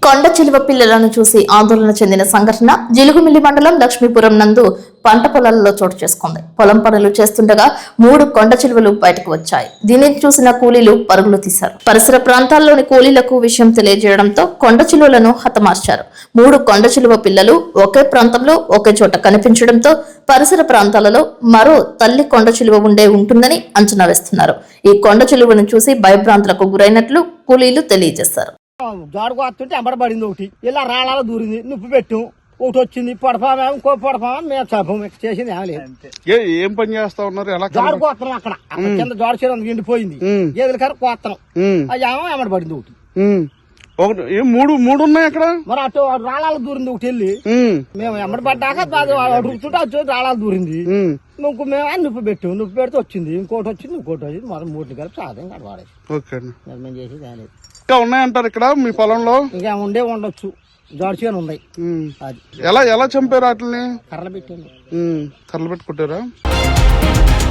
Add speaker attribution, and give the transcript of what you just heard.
Speaker 1: కొండ చిలువ పిల్లలను చూసి ఆందోళన చెందిన సంఘటన జిలుగుమిల్లి మండలం లక్ష్మీపురం నందు పంట పొలాలలో చోటు చేసుకుంది. పొలం పనులు చేస్తుండగా 3 కొండ చిలువలు బయటకు వచ్చాయి. దీనిని చూసిన కూలీలు పరుగులు తీశారు. పరిసర ప్రాంతాల్లోని కూలీలకు విషయం తెలియజేయడంతో కొండ చిలువలను హతమార్చారు. 3 కొండ చిలువ పిల్లలు ఒకే ప్రాంతంలో ఒకే చోట కనిపించడంతో పరిసర ప్రాంతాలలో మరో తల్లి కొండ చిలువ ఉంటుందని అంచనా వేస్తున్నారు. ఈ కొండ చిలువను చూసి భయభ్రాంతులకు గురైనట్లు కూలీలు తెలియజేశారు.
Speaker 2: జోడుకు వస్తుంటే ఎంబడబడింది ఒకటి ఇలా రాళ్ళ దూరింది నిప్పు పెట్టు ఒకటి వచ్చింది పడపామే ఇంకో పడపామే మేము చంపం చేసింది ఏం లేదు.
Speaker 3: ఏం పని చేస్తా ఉన్నారు?
Speaker 2: జోడు కోస్తున్నాం అక్కడ కింద జోడు చేయడం ఎండిపోయింది గేదెల కర కోస్తున్నాం అది ఏమో ఎంబడబడింది ఒకటి
Speaker 3: మూడు ఉన్నాయి అక్కడ.
Speaker 2: మరి అటు రాళ్ళ దూరింది ఒకటి వెళ్ళి మేము ఎంబడబడ్డాక అడుగుతుంటే అది రాళ్ళ దూరింది ఇంకో మేము నిప్పు పెడితే వచ్చింది ఇంకోటి వచ్చింది మరి 3 కలిపి సాధం కడవాడేది.
Speaker 3: ఓకే
Speaker 2: మేము చేసేది ఏం లేదు.
Speaker 3: ఇంకా ఉన్నాయంటారు ఇక్కడ మీ పొలంలో?
Speaker 2: ఇంకా ఉండొచ్చు జోడ్చిగా ఉన్నాయి.
Speaker 3: అది ఎలా చంపారు వాటిని?
Speaker 2: కర్రలు పెట్టండి.
Speaker 3: కర్రలు పెట్టి కొట్టారా?